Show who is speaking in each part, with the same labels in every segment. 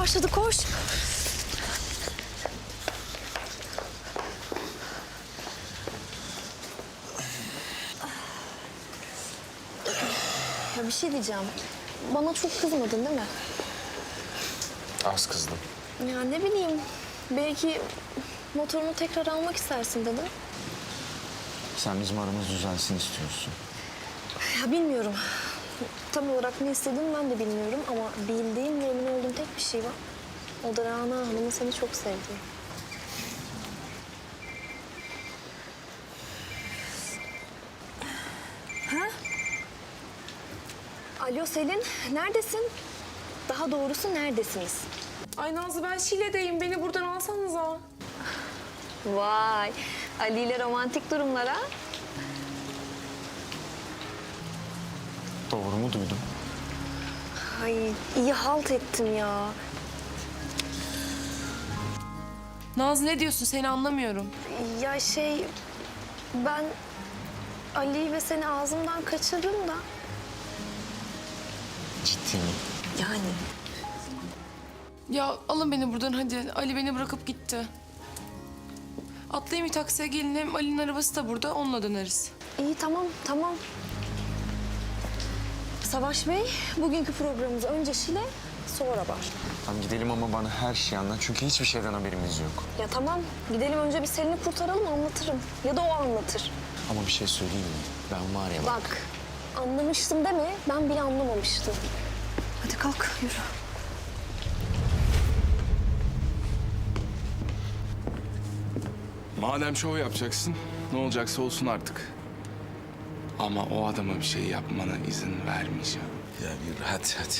Speaker 1: başladı, koş. Ya bir şey diyeceğim. Bana çok kızmadın değil mi?
Speaker 2: Az kızdım.
Speaker 1: Ya ne bileyim. Belki motorunu tekrar almak istersin dedim.
Speaker 2: Sen bizim aramız düzelsin istiyorsun.
Speaker 1: Ya bilmiyorum. Tam olarak ne istediğimi ben de bilmiyorum ama bildiğim ve emin olduğum tek bir şey var. O da Rana Hanım'ın seni çok sevdiği. Ha? Alo Selin, neredesin? Daha doğrusu neredesiniz?
Speaker 3: Ay Nazlı ben Şile'deyim. Beni buradan alsanıza.
Speaker 1: Vay, Ali ile romantik durumlara.
Speaker 2: Doğru mu duydum?
Speaker 1: Ay iyi halt ettim ya.
Speaker 3: Nazlı ne diyorsun? Seni anlamıyorum.
Speaker 1: Ya ben Ali ve seni ağzımdan kaçırdım da.
Speaker 2: Ciddi mi?
Speaker 1: Yani.
Speaker 3: Ya alın beni buradan hadi. Ali beni bırakıp gitti. Atlayayım bir taksiye gelin. Hem Ali'nin arabası da burada. Onunla döneriz.
Speaker 1: İyi tamam. Savaş Bey, bugünkü programımız önce Şile, sonra Bar.
Speaker 2: Tamam gidelim ama bana her şeyi anlat. Çünkü hiçbir şeyden haberimiz yok.
Speaker 1: Ya tamam, gidelim önce bir Selin'i kurtaralım, anlatırım. Ya da o anlatır.
Speaker 2: Ama bir şey söyleyeyim mi? Ben var ya
Speaker 1: Bak, anlamıştım deme, ben bile anlamamıştım. Hadi kalk, yürü.
Speaker 4: Madem şov yapacaksın, ne olacaksa olsun artık. Ama o adama bir şey yapmana izin vermeyeceğim.
Speaker 5: Ya yürü hadi.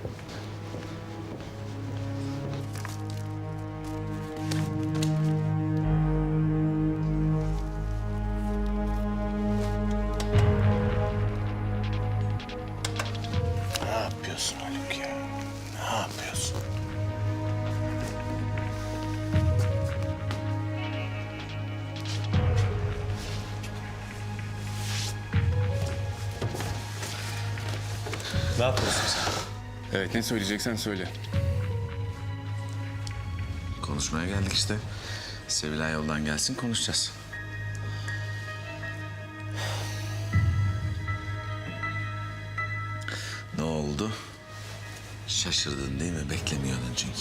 Speaker 5: Ne yapıyorsun Haluk ya? Ne yapıyorsun? Ne yapıyorsun sen?
Speaker 4: Evet, ne söyleyeceksen söyle.
Speaker 5: Konuşmaya geldik işte. Sevilay yoldan gelsin konuşacağız. Ne oldu? Şaşırdın değil mi? Beklemiyordun çünkü.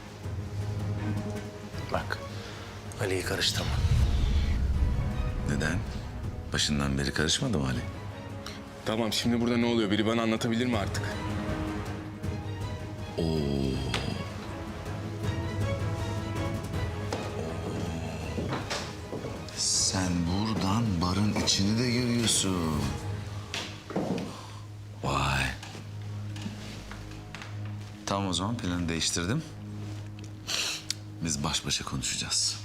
Speaker 5: Bak, Ali'yi karıştırma. Neden? Başından beri karışmadı mı Ali?
Speaker 4: Tamam, şimdi burada ne oluyor? Biri bana anlatabilir mi artık?
Speaker 5: Sen buradan barın içini de görüyorsun. Vay. Tamam o zaman planı değiştirdim. Biz baş başa konuşacağız.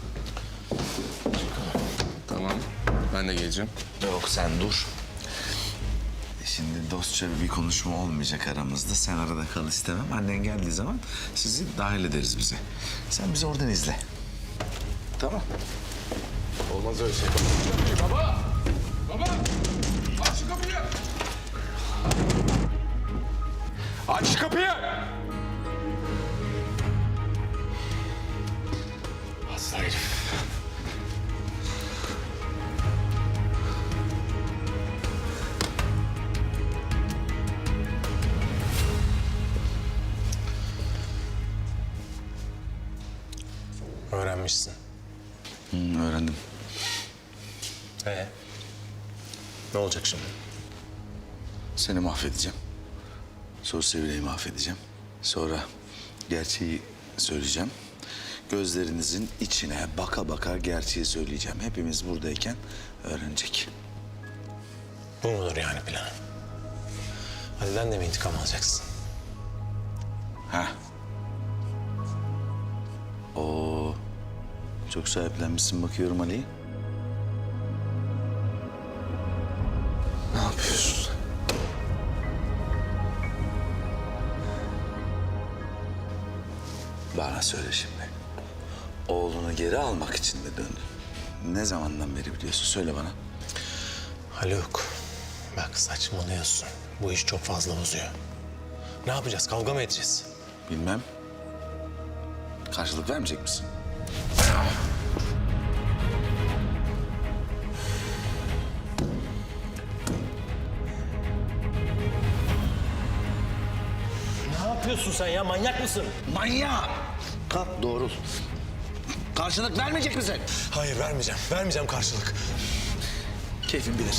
Speaker 4: Tamam, ben de geleceğim.
Speaker 5: Yok sen dur. Şimdi dostça bir konuşma olmayacak aramızda. Sen arada kal istemem. Annen geldiği zaman sizi dahil ederiz bize. Sen bizi oradan izle. Tamam.
Speaker 4: Olmaz öyle şey. Baba! Baba! Aç şu kapıyı! Aç şu kapıyı! Hasta herif.
Speaker 6: Öğrenmişsin.
Speaker 5: Öğrendim.
Speaker 6: Ne olacak şimdi?
Speaker 5: Seni mahvedeceğim. Sonra Sevilay'ı mahvedeceğim. Sonra gerçeği söyleyeceğim. Gözlerinizin içine baka baka gerçeği söyleyeceğim. Hepimiz buradayken öğrenecek.
Speaker 6: Bu mudur yani planı? Ali'den de mi intikam alacaksın?
Speaker 5: Ha? Oo, çok sahiplenmişsin bakıyorum Ali. Ne yapıyorsun? Bana söyle şimdi. Oğlunu geri almak için mi döndün? Ne zamandan beri biliyorsun? Söyle bana.
Speaker 6: Haluk, bak saçmalıyorsun. Bu iş çok fazla uzuyor. Ne yapacağız? Kavga mı edeceğiz?
Speaker 5: Bilmem. Karşılık vermeyecek misin?
Speaker 6: Ne yapıyorsun sen ya? Manyak mısın?
Speaker 5: Manyak! Kalk doğrul. Karşılık vermeyecek misin?
Speaker 6: Hayır vermeyeceğim. Vermeyeceğim karşılık.
Speaker 5: Keyfin bilir.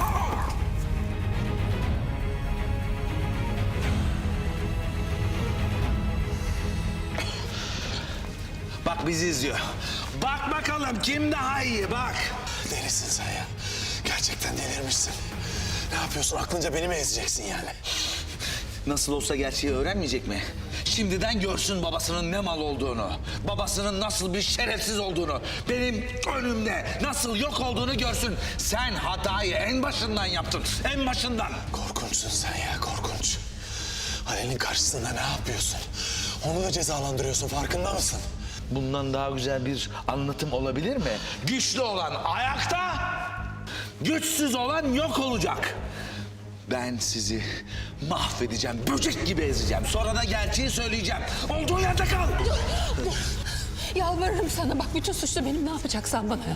Speaker 5: Bak bizi izliyor. Bak bakalım kim daha iyi bak.
Speaker 6: Delisin sen ya. Gerçekten delirmişsin. Ne yapıyorsun? Aklınca beni mi ezeceksin yani?
Speaker 5: Nasıl olsa gerçeği öğrenmeyecek mi? Şimdiden görsün babasının ne mal olduğunu. Babasının nasıl bir şerefsiz olduğunu. Benim önümde nasıl yok olduğunu görsün. Sen hatayı en başından yaptın. En başından.
Speaker 6: Korkunçsun sen ya, korkunç. Halil'in karşısında ne yapıyorsun? Onu da cezalandırıyorsun, farkında mısın?
Speaker 5: Bundan daha güzel bir anlatım olabilir mi? Güçlü olan ayakta, güçsüz olan yok olacak. Ben sizi mahvedeceğim, böcek gibi ezeceğim. Sonra da gerçeği söyleyeceğim. Olduğun yerde kal.
Speaker 7: Yalvarırım sana bak bütün suçlu benim, ne yapacaksan bana yap.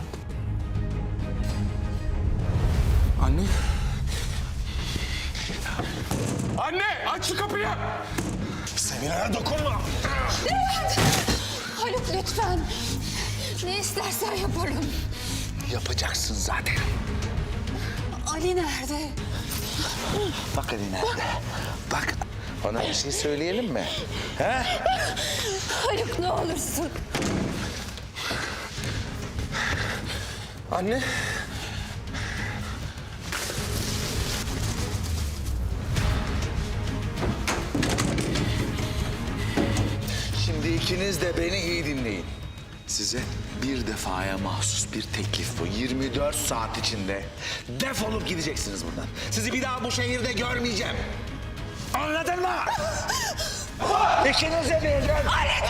Speaker 4: Anne. Anne aç şu kapıyı.
Speaker 6: Sevinay'a dokunma.
Speaker 7: Haluk lütfen. Ne istersen yaparım.
Speaker 5: Yapacaksın zaten.
Speaker 7: Ali nerede?
Speaker 5: Bak Ali nerede? Bak. Ona bir şey söyleyelim mi? He?
Speaker 7: Haluk ne olursun.
Speaker 4: Anne.
Speaker 5: Şimdi ikiniz de beni iyi dinleyin. Size bir defaya mahsus bir teklif bu. 24 saat içinde defolup gideceksiniz buradan. Sizi bir daha bu şehirde görmeyeceğim. Anladın mı? İkiniz de birden.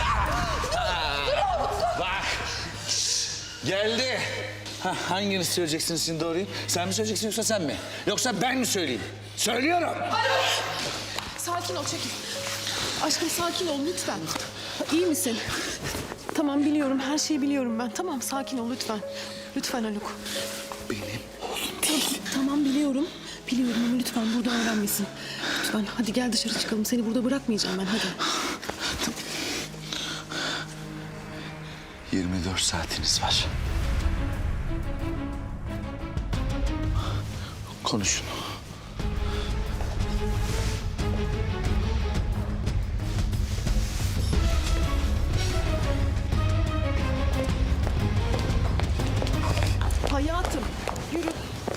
Speaker 5: Bak. Şşş, geldi. Hanginiz söyleyeceksiniz şimdi doğruyu? Sen mi söyleyeceksin yoksa sen mi? Yoksa ben mi söyleyeyim? Söylüyorum.
Speaker 3: Sakin ol, çekil. Aşkım sakin ol lütfen. İyi misin? Tamam biliyorum, her şeyi biliyorum ben. Tamam sakin ol lütfen. Lütfen Haluk.
Speaker 5: Benim oğlum değil.
Speaker 3: Tamam biliyorum. Biliyorum ama lütfen burada öğrenmesin. Lütfen hadi gel dışarı çıkalım. Seni burada bırakmayacağım ben, hadi.
Speaker 5: 24 saatiniz var. Konuşun.
Speaker 3: Hayatım yürü.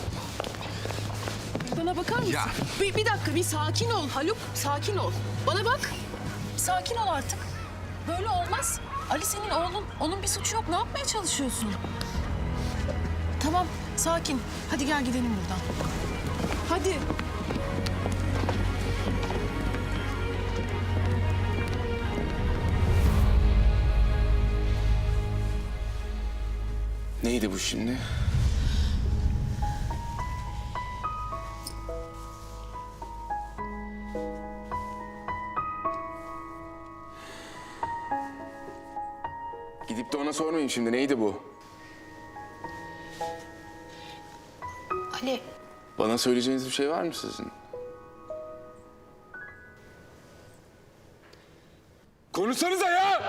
Speaker 3: Bana bakar mısın?
Speaker 5: Ya.
Speaker 3: Bir dakika, bir sakin ol Haluk. Sakin ol. Bana bak. Sakin ol artık. Böyle olmaz. Ali senin oğlun. Onun bir suçu yok. Ne yapmaya çalışıyorsun? Tamam, sakin. Hadi gel gidelim buradan. Hadi.
Speaker 4: Neydi bu şimdi? Gidip de ona sormayayım şimdi. Neydi bu?
Speaker 7: Ali
Speaker 4: Bana söyleyeceğiniz bir şey var mı sizin? Konuşsanıza ya!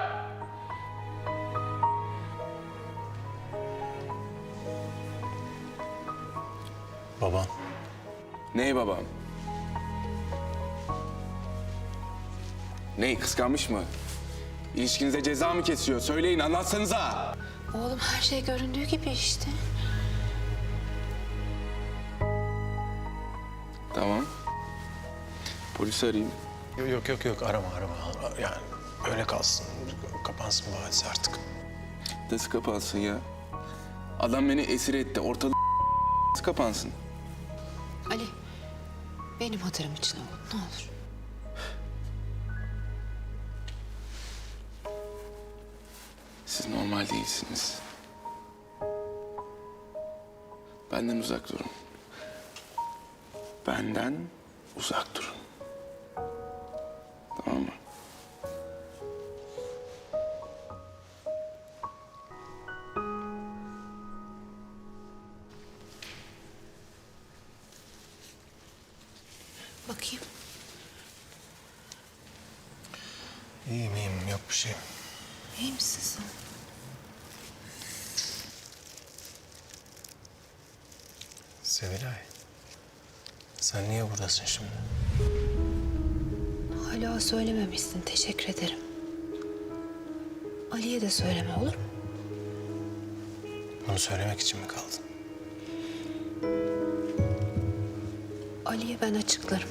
Speaker 6: Baban.
Speaker 4: Ney babam? Ney kıskanmış mı? İlişkinize ceza mı kesiyor? Söyleyin anlatsanıza.
Speaker 7: oğlum her şey göründüğü gibi işte.
Speaker 4: Tamam. Polisi arayayım.
Speaker 6: Yok arama. Yani öyle kalsın. Kapansın bu hadise artık.
Speaker 4: Nasıl kapansın ya? Adam beni esir etti. Ortalık nasıl kapansın?
Speaker 7: Ali benim hatırım için oğlum, ne olur.
Speaker 4: Siz normal değilsiniz. Benden uzak durun. Benden uzak durun. Tamam mı?
Speaker 6: İyiyim iyiyim yok bir şey.
Speaker 7: İyi misin sen?
Speaker 6: Sevilay. Sen niye buradasın şimdi?
Speaker 7: Hala söylememişsin. Teşekkür ederim. Ali'ye de söyleme olur mu?
Speaker 6: Bunu söylemek için mi kaldın?
Speaker 7: Ali'ye ben açıklarım.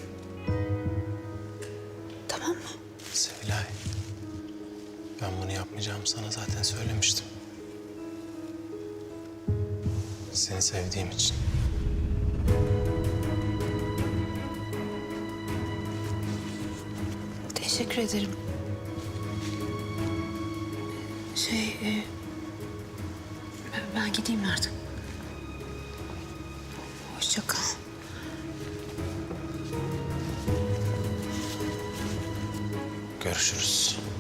Speaker 7: Tamam mı?
Speaker 6: Sevilay. Ben bunu yapmayacağımı sana zaten söylemiştim. Seni sevdiğim için.
Speaker 7: Teşekkür ederim. Ben gideyim artık. Hoşça kal.
Speaker 6: Görüşürüz.